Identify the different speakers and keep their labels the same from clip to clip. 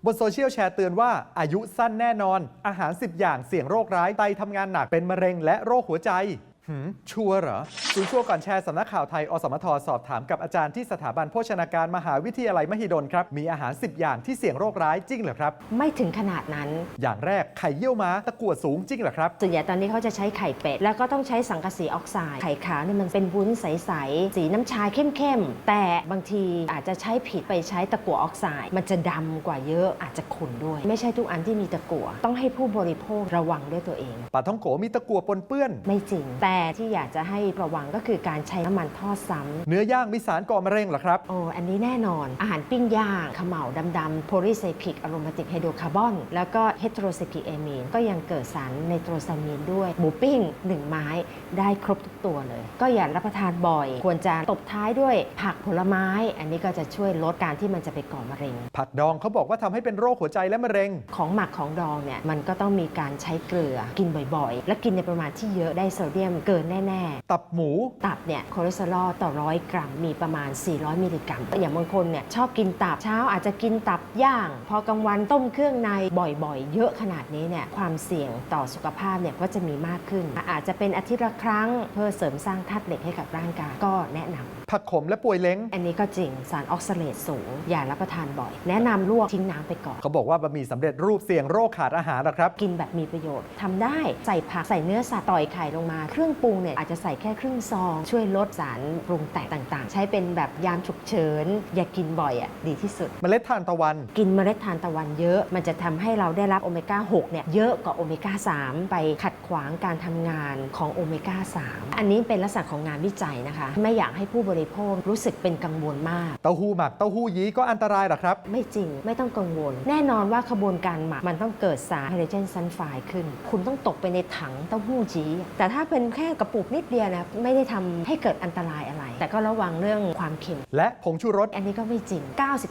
Speaker 1: บนโซเชียลแชร์เตือนว่าอายุสั้นแน่นอนอาหาร10อย่างเสี่ยงโรคร้ายไตทำงานหนักเป็นมะเร็งและโรคหัวใจชัวร์เหรอศูนย์ชัวร์ก่อนแชร์สำนักข่าวไทยอสมทสอบถามกับอาจารย์ที่สถาบันโภชนาการมหาวิทยาลัยมหิดลครับมีอาหาร10อย่างที่เสี่ยงโรคร้ายจริงเหรอครับ
Speaker 2: ไม่ถึงขนาดนั้น
Speaker 1: อย่างแรกไข่เยี่ยวม้าตะกั่วสูงจริงเหรอครับ
Speaker 2: ส่วนใหญ่ตอนนี้เขาจะใช้ไข่เป็ดแล้วก็ต้องใช้สังกะสีออกไซด์ไข่ขาวนี่มันเป็นวุ้นใสๆสีน้ำชาเข้มๆแต่บางทีอาจจะใช้ผิดไปใช้ตะกั่วออกไซด์มันจะดำกว่าเยอะอาจจะขุ่นด้วยไม่ใช่ทุกอันที่มีตะกั่วต้องให้ผู้บริโภคระวังด้วยตัวเอง
Speaker 1: ปลาท่องโกมีตะกั่วปนเปื้อน
Speaker 2: ไม่จริงแต่ที่อยากจะให้ระวังก็คือการใช้น้ำมันทอดซ้ำ
Speaker 1: เนื้อย่างมีสารก่อมะเร็งเหรอครับ
Speaker 2: อันนี้แน่นอนอาหารปิ้งย่างเขม่าดำๆโพลีไซคลิกอะโรมาติกไฮโดรคาร์บอนแล้วก็เฮตโรไซคลิกเอมีนก็ยังเกิดสารไนโตรซามีนด้วยหมูปิ้ง1ไม้ได้ครบทุกตัวเลยก็อย่ารับประทานบ่อยควรจะตบท้ายด้วยผักผลไม้อันนี้ก็จะช่วยลดการที่มันจะไปก่อมะเร็ง
Speaker 1: ผักดองเขาบอกว่าทำให้เป็นโรคหัวใจและมะเร็ง
Speaker 2: ของหมักของดองเนี่ยมันก็ต้องมีการใช้เกลือกินบ่อยๆและกินในประมาณที่เยอะได้โซเดียมเกินแน่
Speaker 1: ๆตับหมู
Speaker 2: ตับเนี่ยคอเลสเตอรอลต่อ100 กรัมมีประมาณ400มิลลิกรัมอย่างบางคนเนี่ยชอบกินตับเช้าอาจจะกินตับย่างพอกลางวันต้มเครื่องในบ่อยๆเยอะขนาดนี้เนี่ยความเสี่ยงต่อสุขภาพเนี่ยก็จะมีมากขึ้นอาจจะเป็นอาทิตย์ละครั้งเพื่อเสริมสร้างธาตุเหล็กให้กับร่างกายก็แนะนำ
Speaker 1: ผักขมและป่วยเล้ง
Speaker 2: อันนี้ก็จริงสารออกซาเลตสูงอย่ารับประทานบ่อยแนะนำลวกทิ้งน้ำไปก่อน
Speaker 1: เขาบอกว่าบะหมี่สำเร็จรูปเสี่ยงโรคขาดอาหารหรอครับ
Speaker 2: กินแบบมีประโยชน์ทำได้ใส่ผักใส่เนื้อสัตว์ต่อยไข่ลงมาเครื่องปรุงเนี่ยอาจจะใส่แค่ครึ่งซองช่วยลดสารปรุงแต่งต่างๆใช้เป็นแบบยามฉุกเฉินอย่ากินบ่อยดีที่สุด
Speaker 1: เมล็ดทานตะวัน
Speaker 2: กินเมล็ดทานตะวันเยอะมันจะทำให้เราได้รับโอเมก้า6เนี่ยเยอะกว่าโอเมก้า3ไปขัดขวางการทำงานของโอเมก้า3อันนี้เป็นลักษณะของงานวิจัยนะคะไม่อยากให้ผู้บริโภครู้สึกเป็นกังวลมาก
Speaker 1: เต้าหู้หมักเต้าหู้ยี้ก็อันตรายหรอครับ
Speaker 2: ไม่จริงไม่ต้องกังวลแน่นอนว่าขบวนการหมักมันต้องเกิดสารไฮโดรเจนซัลไฟด์ขึ้นคุณต้องตกไปในถังเต้าหู้ยี้แต่ถ้าเป็นแค่กระปุกนิดเดียวนะไม่ได้ทำให้เกิดอันตรายอะไรแต่ก็ระวังเรื่องความเค็ม
Speaker 1: และผงชูรส
Speaker 2: อันนี้ก็ไม่จริง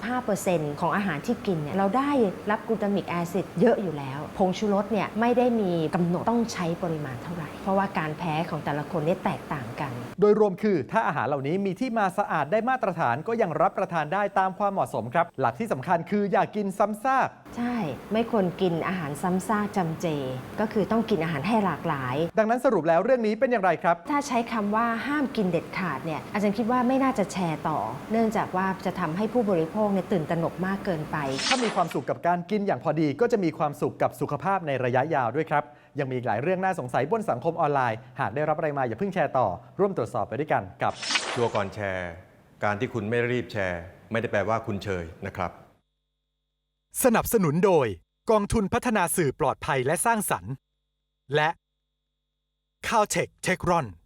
Speaker 2: 95% ของอาหารที่กินเนี่ยเราได้รับกลูตามิกแอซิดเยอะอยู่แล้วผงชูรสเนี่ยไม่ได้มีกำหนดต้องใช้ปริมาณเท่าไหร่เพราะว่าการแพ้ของแต่ละคนเนี่ยแตกต่างกัน
Speaker 1: โดยรวมคือถ้าอาหารเหล่านี้มีที่มาสะอาดได้มาตรฐานก็ยังรับประทานได้ตามความเหมาะสมครับหลักที่สำคัญคืออย่ากินซ้ำซาก
Speaker 2: ใช่ไม่ควรกินอาหารซ้ำซากจำเจก็คือต้องกินอาหารให้หลากหลาย
Speaker 1: ดังนั้นสรุปแล้วเรื่องนี้เป็นอย่างไรครับ
Speaker 2: ถ้าใช้คำว่าห้ามกินเด็ดขาดเนี่ยอาจารย์คิดว่าไม่น่าจะแชร์ต่อเนื่องจากว่าจะทำให้ผู้บริโภคเนี่ยตื่นตระหนกมากเกินไป
Speaker 1: ถ้ามีความสุขกับการกินอย่างพอดีก็จะมีความสุขกับสุขภาพในระยะยาวด้วยครับยังมีอีกหลายเรื่องน่าสงสัยบนสังคมออนไลน์หากได้รับอะไรมาอย่าเพิ่งแชร์ต่อร่วมตรวจสอบไปด้วยกันกับ
Speaker 3: ชัวร์ก่อนแชร์การที่คุณไม่รีบแชร์ไม่ได้แปลว่าคุณเชยนะครับ
Speaker 1: สนับสนุนโดยกองทุนพัฒนาสื่อปลอดภัยและสร้างสรรค์และ Caltech Techron